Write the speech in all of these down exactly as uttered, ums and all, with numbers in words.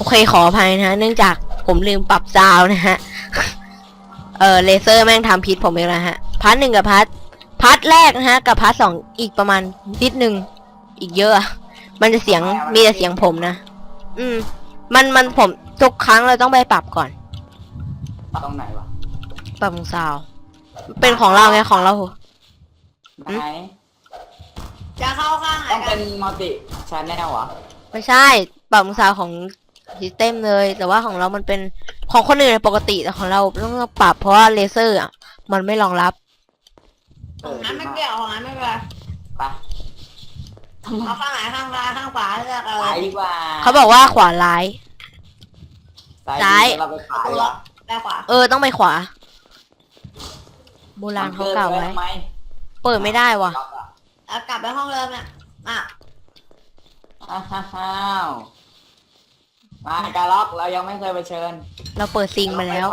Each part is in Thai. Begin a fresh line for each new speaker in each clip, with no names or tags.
อเคขออภัยนะฮะเนื่องจากผมลืมปรับซาวน์นะฮะเออเลเซอร์แม่งทำพิษผมเองนะฮะพาร์ทหนึ่งกับพาร์ทพาร์ทแรกนะฮะกับพาร์ทสองอีกประมาณนิดนึงอีกเยอะมันจะเสียงมีแต่เสียงผมนะอืมมันมันผมทุกครั้งเราต้องไปปรับก่อน
ปรับตรงไหนวะ
ปรับซาวน์เป็นของเราไงของเรา
ไหน
จะเข้าข้างไหน
ต้อง
กั
เป็น นมัลติชาแนลเหรอ
ไม่ใช่ปรับซาวน์ของซิสเต็มเลยแต่ว่าของเรามันเป็นของคนอื่นปกติแต่ของเราต้องปรับเพราะว่าเลเซอร์อ่ะมันไม่รองรับ
ของนั้นไม่เกี่ยวของนั้นไม่เป็นไร
ไป
เอาข้างไหนข้างซ้ายข้างขวาเลือกเอา
ไปดีกว่า
เขาบอกว่าขวาร้าย
ซ้ายเราไปขวาดีกว่า
ไปขวา
เออต้องไปขวาโบราณเขากล่าวไว้เปิดไม่ได้วะ
แล้วกลับไปห้องเดิมเนี่ยอ่ะ
อ้าวมาการล็อกเรายังไม่เคยไปเชิญ
เราเปิดซิงมาแล้ว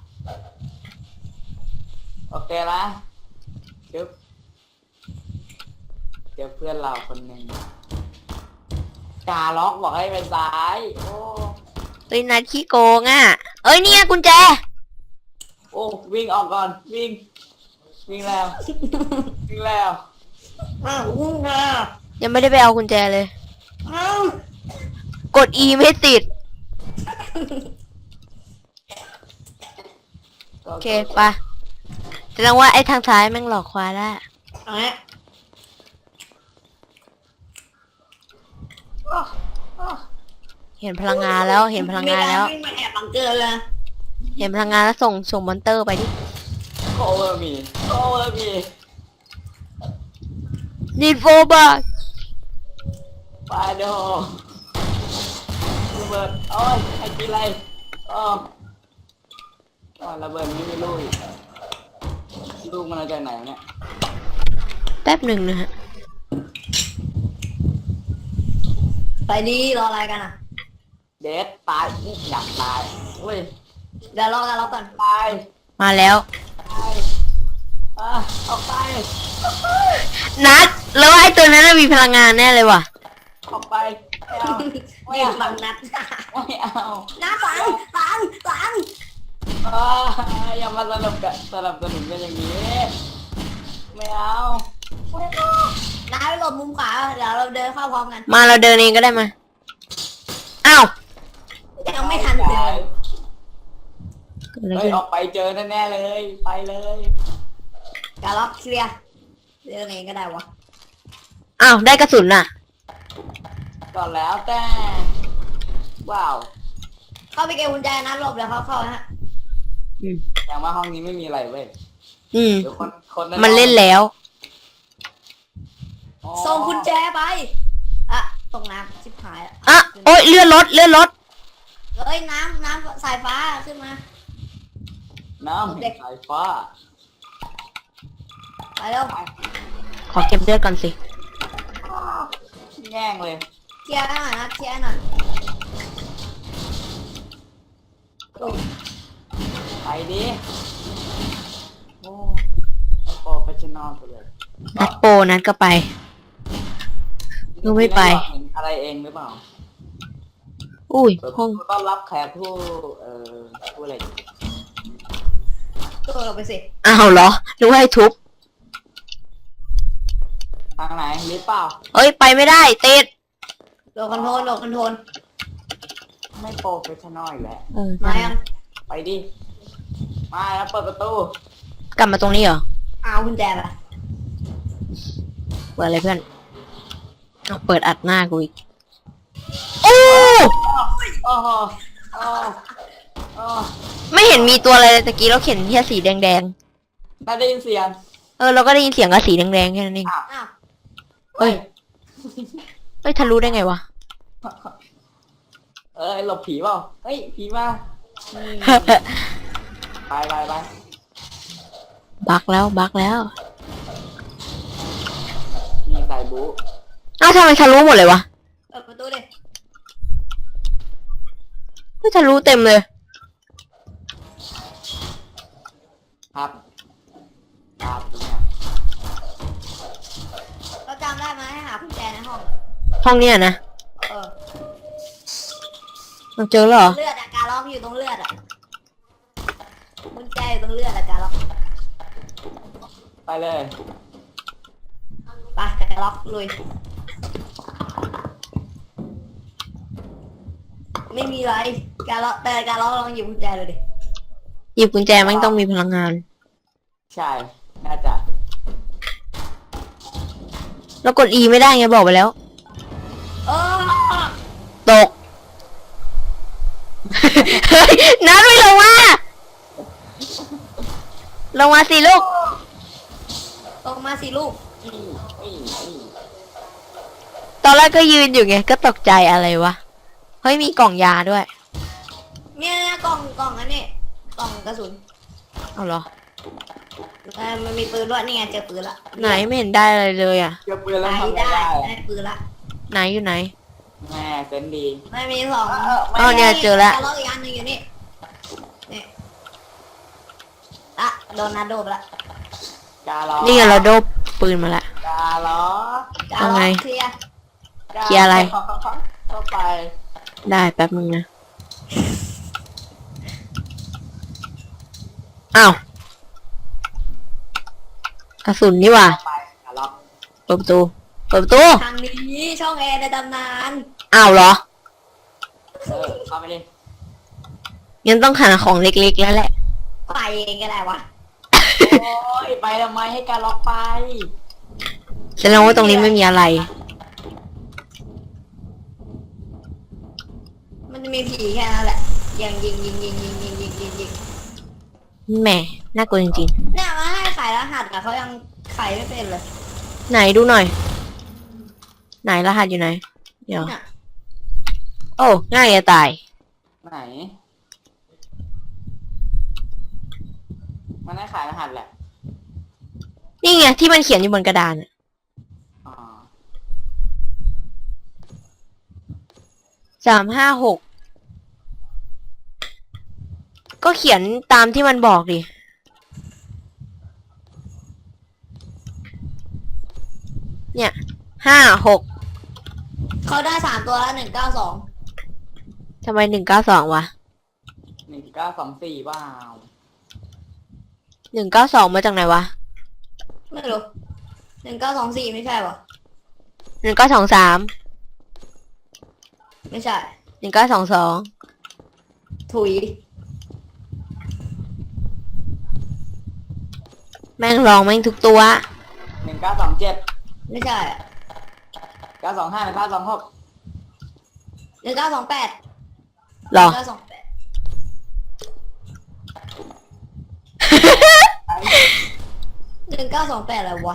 โอเคละจึ๊บเจอเพื่อนเราคนหนึ่งการล็อกบอกให้ไปซ้ายโอ้
เฮ้ยนัดขี้โกงอ่ะเอ้ยเนี่ยกุญแจ
โอ้วิ่งออกก่อนวิ่งวิ่งแล้ววิ่งแล้ว
อ้าววิ่งแล้ว
ยังไม่ได้ไปเอากุญแจเลย
อ้าว
กด E ไม่ติดโอเคไปแสดงว่าไอ้ทางซ้ายแม่งหลอกควายแล้วเห็นพลังงานแล้วเห็นพลังงานแล้ว
วิ่งมาแอบบังเกอร์เลย
เห็นพลังงานแล้วส่งส่งมอนเตอร์ไปดิ
โคเวอร์มีโคเวอร์มี
นีดโฟบา
ปาโดระเบิดโอ้ยไอ้กินอะไรอ๋ออ๋อระเบิดไม่มีลูกลูกมันมาจากไหนเนี่ย
แป๊บหนึ่งนะฮะ
ไปดีรออะไรกันอ่ะ
เดดตายอยากตายเว้ย
เดี๋ยวรอกันรอก่อน
ตาย
มาแล้ว
ตายอ่ะออกไป
นัดแล้วไอ้ตัวนั้นมีพลังงานแน่เลยว่ะ
ออกไปไม่เอาไม่
เอาบังนัด
ไม่เอา
น้าฝังฝังฝัง
อย่ามาสลับกันสลับสนุนกันอย่างนี้ไม่เอาไม่เอา
น้าไปหลบมุมขวาเดี๋ยวเราเดินเข้าพร้อมกัน
มาเราเดินเองก็ได้มาอ้าว
ยังไม่ทันเลย
เฮ้ยออกไปเจอแน่ๆเลยไปเลย
การล็อกเคลียร์เดินเองก็ได้วะ
อ้าวได้กระสุนน่ะ
ก่อนแล้วแต่ว้าว
เข้าไปเก็บกุญแจนะหลบเดี๋ยวเขาเข้าฮะ
อืม
อย่างว่าห้องนี้ไม่มีอะไรเว้ย
อืม
คนคน
มันเล่นแล้ว
ส่งกุญแจไปอ่ะตรงน้ำชิบหาย
อ่ะโอ๊ยเลื่อนรถเลื่อนรถ
เอ้ยน้ำน้ำสายฟ้าขึ้นมา
น้ำสายฟ้า
ไปเร็ว
ขอเก็บเลือดก่อนสิ
แง่งเลย
เคลียร์หน่อยนะเคลียร์หน่อย
ไปดิโอ้โปรเฟชชั่นอลไปเลย
นัดโปนัดก็ไปนูไม่ไป
อะไรเองหรือเปล่า
อุ้ยห้อง
ต้อนรับแขกผู้เอ่อผู้อะไร
ตัวเราไปสิ
อ้าวเหรอนึกว่าให้ทุบ
ทางไหนหรือเปล่า
เอ้ยไปไม่ได้ติด
โดนคอนโทรลโดนคอนโทรล
ไม่โปรเฟชชั่นอลอีกแล้ว
มายัง
ไปดิมาแล้วเปิดประตู
กลับมาตรงนี้เหรอ
เอากุญแจไป
เปิดอะไรเพื่อนเปิดอัดหน้ากูอีกโอ้
โอ้โหโอ้โอ้
ไม่เห็นมีตัวอะไรเลยตะกี้เราเห็นแค่สีแดงๆ
ได้ยินเสียง
เออเราก็ได้ยินเสียงกับสีแดงๆแค่นั้นเองเฮ้ยเฮ้ยทะลุได้ไงวะ
เอ้ยหลบผีเปล่าเฮ้ยผีมาไปไปไป
บักแล้วบักแล้ว
มีสายบู๊
อ้าวทำไมทะลุหมดเลยวะ
เปิดประตูดิ
ไม่ทะลุเต็มเลย
ครับครับ
เราจำได้ไหมให้หากุญแจในห้อง
ห้องเนี้ยนะ
เออ
เราเจอแล้วเหรอ
เลือดอะการล็อกอยู่ตรงเลือดอะกุญแจอยู่ตรงเลือดอะการล็อก
ไปเลย
ไปการล็อกลุยไม่มีอะไรการล็อกแต่การล็อกลองหยิบกุญแจเลยดิ
หยิบกุญแจมันต้องมีพลังงาน
ใช่น่าจะ
แล้วกด E ไม่ได้ไงบอกไปแล้ว
เออ
ตก เฮ้ยนัดไม่ลงมา ลงมาสิลูก
ตกมาสิลูก
อีอีอี
ตอนแรกก็ยืนอยู่ไง ก็ตกใจอะไรวะ เฮ้ยมีกล่องยาด้วย
เนี่ยกล่องกล่องอันนี้กล่องกระสุน
เอาเหรอ
เออมันมีปืนด้วยนี่ไงเจอปืนละ
ไหนไม่เห็นได้อะไรเลยอ่ะ
เจอปืนแล้ว
ได้
ทำไง
ได้
ได้
ได้ปืนละ
ไหนอยู่ไหน
แม่เซนดี
ไม่มีสอง
เออไม่
อ๋อเนี่ยเจอแล้ว
การล็อกอีกอันหนึ่งอยู่นี่นี่อะโดนนัดโดบละ
กาล้อ
นี่ไงเราโดบปืนมาละ
กาล้อ
การ
เอา
ล็อ
ไง
กเคลียร์
กา
เคลียร์อะไร
เข้าไป
ได้แป๊บนึงนะ อ้าว กระสุนนี่หว่า
เข้าไปกาล็อก
เปิดประตู เปิดประตู
ทางนี้ช่องแอร์ในตำนาน
อ้าวเหรอ
เออเข้าไปดิ
งั้นต้องหาของเล็กๆแล้วแหละ
ไปเองก็ได้วะ
โอ้ยไปทำไมให้กาล็อกไป
แสดงว่าตรงนี้ไม่มีอะไร
มันจะมีผีแค่นั้นแหละยิงยิงยิงยิงยิงยิงยิงยิงยิง
แหมน่ากลัวจริง
เนี่ยมาให้ขายรหัสอะเขายังขายไม่เป็นเลย
ๆ ไหนดูหน่อย ไหนรหัสอยู่ไหน เดี๋ยว
น่ะ
โอ้ ง่ายจะตาย
ไหน มันให้ขายรหัสแหละ
นี่ไงที่มันเขียนอยู่บนกระดานอะ
อ๋อ
สามห้าหก ก็เขียนตามที่มันบอกดิ เนี่ย ห้าหก
เขาได้สามตัวแล้วหนึ่งเก้าสอง
ทำไมหนึ่งเก้าสองวะ
หนึ่งเก้าสองสี่ว้าว
หนึ่งเก้าสองมาจากไหนวะ
ไม่รู้หนึ่งเก้าสองสี่ไม่ใช่ปะ
หนึ่งเก้าสองสาม
ไม่ใช่
หนึ่งเก้าสองสอง
ถุย
แม่งลองแม่งทุกตัว
หนึ่งเก้าสองเจ็ด
ไม่ใช่อะ
เก้าสองห้าหนึ่งเก้าสองหก
หนึ่งเก้าสองแปด
หรอ
เก้าสองแปดหนึ่งเก้าสองแปดอะไรวะ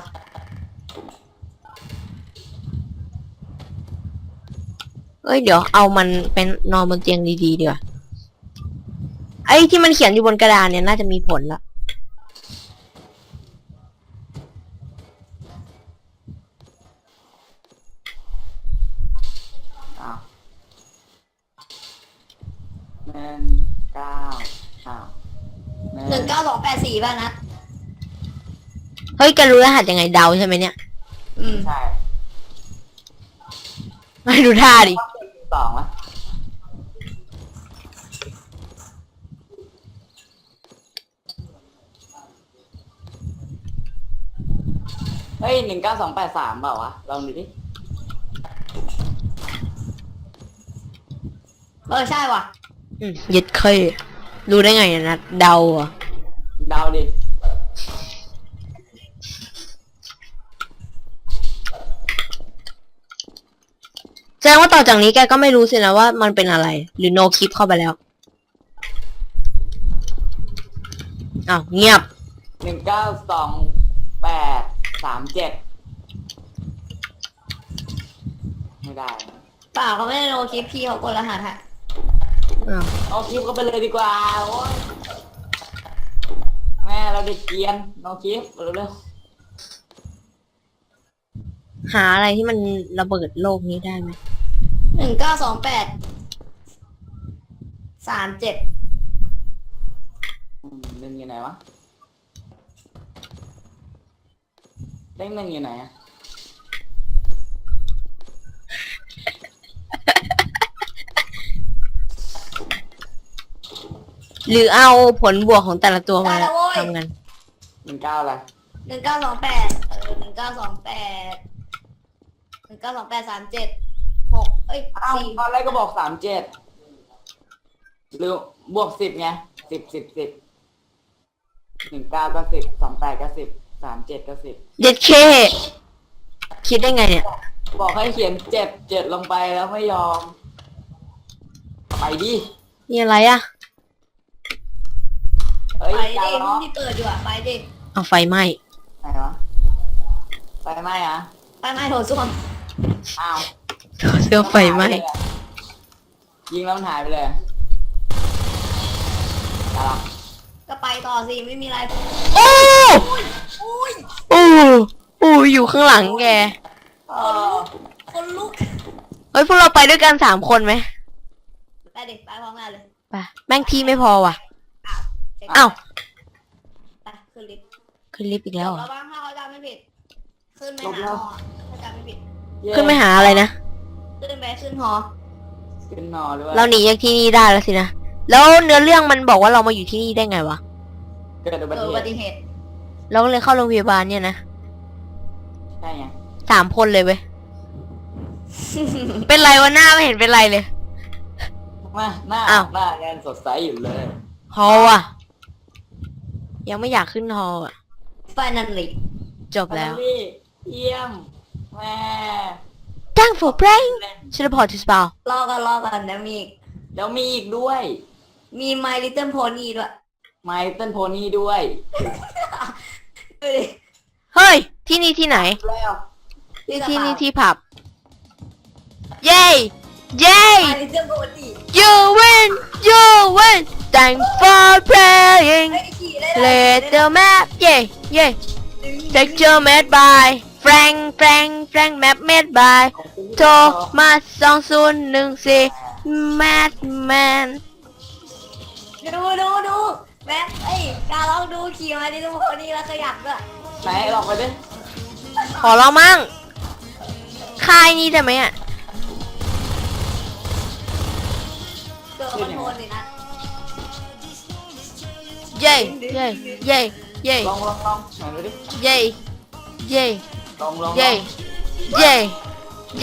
เอ้ยเดี๋ยวเอามันเป็นนอนบนเตียงดีๆดีกว่าไอ้ที่มันเขียนอยู่บนกระดานเนี่ยน่าจะมีผลละ
อ้าวหนึ่งเก้าอ้าว
หนึ่งเก้าสองแปดสี่ป่ะนัด
เฮ้ยแกรู้รหัสยังไงเดาใช่ไหมเนี่ย
อืม
ใช่
ไม่ดูท่าดิ
สองวะเฮ้ยหนึ่งเก้าสองแปดสามเปล่าวะ ลองดูดิ
เออใช่ว่ะ
อืมยึดเคยรู้ได้ไงอะนะเดาเหรอ่ะ
เดาดิ
แสดงว่าต่อจากนี้แกก็ไม่รู้สินะว่ามันเป็นอะไร หรือโนคลิปเข้าไปแล้วอ้าวเงียบ
หนึ่งเก้าสองแปดสามเจ็ดไม่ได้
เปล่าเขาไม่ได้โนคลิปพี่เขากดรหัสฮะ
อ้าว
เอาคลิปก็ไปเลยดีกว่าโอ้ยแม่เราเด็กเกรียนน้องคลิปเร็ว
หาอะไรที่มันระเบิดโลกนี้ได้ไหม
หนึ่งเก้าสองแปดสามเจ็ด
ๆอืมหนึ่งอยู่ไหนวะเลขหนึ่งอยู่ไหนอะ
หรือเอาผลบวกของแต่ละตัวมาทำกัน
หนึ่งเก้าอะไร
หนึ่งเก้าสองแปดเออหนึ่งเก้าสองแปดหนึ่งเก้าสองแปดสามเจ็ดหกเอ้ย
อ้าว
สี่
ตอนแรกก็บอกสามเจ็ดหรือบวกสิบไงสิบสิบสิบหนึ่งเก้าก็สิบสองแปดก็สิบสามเจ็ดก็สิบ
เด็ดเคคิดได้ไงเนี่ย
บอกให้เขียนเจ็ดเจ็ดลงไปแล้วไม่ยอม ไปดิ
นี่อะไรอะ
เอ้ย
ไป
กา
ดิ
รล้อ
ที่เปิดอยู่อะไปดิ
เอาไฟไหม้
ไหนวะไปไหมอ่ะ
ไปไม่โถส้วม
อ้าว
เสื้อไฟไหม้
ยิงแล้วมันหายไปเลยกาล
ก็ไปต่อสิไม่มีอะไร
โอ้
อุ้ย
โอ้โอ้อยู่ข้างหลังแก
เออ
คนลุก
เฮ้ยพวกเราไปด้วยกันสามคนไหม
ไปดิไปพร้อมกันเลย
ไปแม่งที่ไม่พอว่ะ
อ้าว
อ้าว
ไปขึ้นลิฟต์
ขึ้นลิฟต์อีกแล้วเหรอ
ระวังถ้าเขาจำไม่ผิด ขึ้นไปหาหอถ้าจำไม่ผิด
เย้
ขึ้นไปหาอะไรนะ
ขึ้นไปขึ้นหอ
ขึ้นนอด้วย
เราหนีจากที่นี่ได้แล้วสินะ แล้วเนื้อเรื่องมันบอกว่าเรามาอยู่ที่นี่ได้ไงวะ
เกิดอุบั
เกิด
ติ
อุ
เห
บั
ตุ
ติเหตุ
เราก็เลยเข้าโรงพยาบาลเนี่ยนะ
ใช่ไง
สามคนเลยเว้ย เป็นไรวะหน้าไม่เห็นเป็นไรเลย
มาหน้า
อ้าว
หน้ายังสดใสอยู่เลย
ฮอลอ่ะ ยังไม่อยากขึ้นฮอลอ่ะ
ไฟนันลิ
จบแล้ว
พี่เยี่ยมแม่
Thank for playing ชิลพอร์ตสปาว
รอกันรอกันนะมีอีก
แล้วมีอีกด้วย
มี My Little Pony ด้วย
ไมเติลโพนี่ด้วย
ดูดิ
เฮ้ย ที่นี่ที่ไหน
แล้ว
ที่ที่นี่ที่ผับ เย้ เย้
My Little Pony
you win you win Thank for playing
เฮ้ยขี่ได้เลย
Let the map เย้เย้ Texture made by Frank Frank Frank map made by โทมัสสองศูนย์หนึ่งสี่ Madman
ดูดูดูแม็กเอ้ยการลองดูขี่มาดิทุกคนนี่แล้วขยับด้วย
ไหนลองไปดิ
ขอเรามั่งค่ายนี้ได้ไหมอ่ะ
เกิดคอนโทรลเลยนะ
เย้เย้เย้เย้
ลองลองลองไหนดูดิ
เย้เย้
ลองลอง
เย้เย้เย้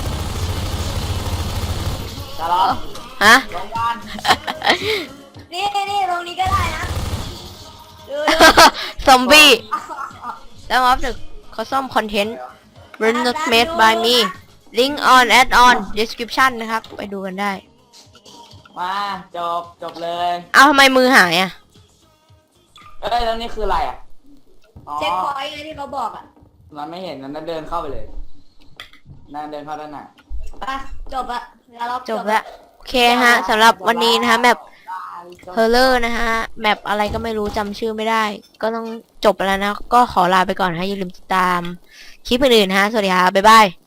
จะลอง
ฮะ
ลองกัน
นี่นี่ตรงนี้ก็ได้นะดูดู
ซอมบี้ แล้วออฟเดอะเขาซ่อมคอนเทนต์ Were not made by me link on add on description นะครับ ไปดูกันได้
มาจบจบเลย
เอาทำไมมือหายอ่ะ
เอ้ยแล้วนี่คืออะไรอ่ะอ๋อ
เช็คพอยต์ไงที่เขาบอกอ่ะ
มันไม่เห็นนั่นเดินเข้าไปเลยนั่นเดินเข้าด้านหน้า
ไปจบละแล้วเรา
จบแล้ว โอเคฮะสำหรับวันนี้นะคะแมป เฮอร์เลอร์นะฮะแมปอะไรก็ไม่รู้จำชื่อไม่ได้ ก็ต้องจบไปแล้วนะ ก็ขอลาไปก่อนนะฮะอย่าลืมติดตามคลิปอื่นๆนะฮะ สวัสดีครับบ๊ายบาย